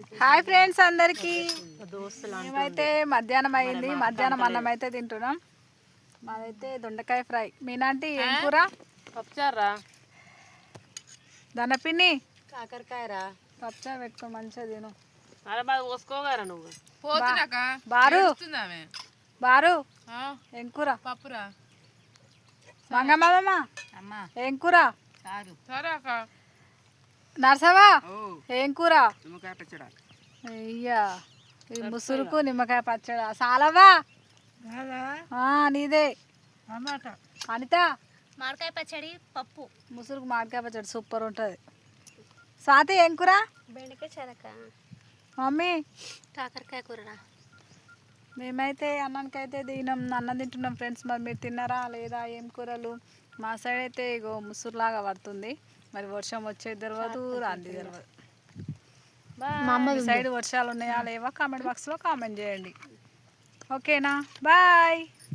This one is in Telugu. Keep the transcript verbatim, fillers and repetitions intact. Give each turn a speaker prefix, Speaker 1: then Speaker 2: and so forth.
Speaker 1: హాయ్ ఫ్రెండ్స్ అందరికి. మేమైతే మధ్యాహ్నం అయింది, మధ్యాహ్నం అన్నం అయితే తింటున్నాం. మాదైతే దొండకాయ ఫ్రై. మీనాంటి ఏం కూర?
Speaker 2: పప్పుచారా.
Speaker 1: దనపిన్ని
Speaker 2: కాకరకాయరా.
Speaker 1: పప్పుచారు పెట్టుకో, మంచిగా తిను.
Speaker 2: అరే బాగా పోసుకోగారా నువ్వు.
Speaker 1: బారు బారు ఏం కూర?
Speaker 3: పప్పురా.
Speaker 1: మంగమ్మ ఏం కూర? నర్సవా ఏం కూర? అయ్యా ఈ ముసురుకు నిమ్మకాయ పచ్చడా. సాలవా నీదే. అనిత
Speaker 4: మామిడికాయ పచ్చడి పప్పు.
Speaker 1: ముసురుకు మామిడికాయ పచ్చడి సూపర్ ఉంటుంది. స్వాతి ఏం కూర?
Speaker 4: బెండకాయ చెరక.
Speaker 1: మమ్మీ
Speaker 4: కాకరకాయ కూరరా.
Speaker 1: మేమైతే అన్నానికి అయితే తిన్నాం, అన్నం తింటున్నాం ఫ్రెండ్స్. మరి మీరు తిన్నారా లేదా? ఏం కూరలు? మా సైడ్ అయితే ఇగో ముసురులాగా పడుతుంది. మరి వర్షం వచ్చేది తెలియదు, రాంది తెలియదు. మీ సైడ్ వర్షాలు ఉన్నాయా లేవా? కామెంట్ బాక్స్లో కామెంట్ చేయండి. ఓకేనా? బాయ్.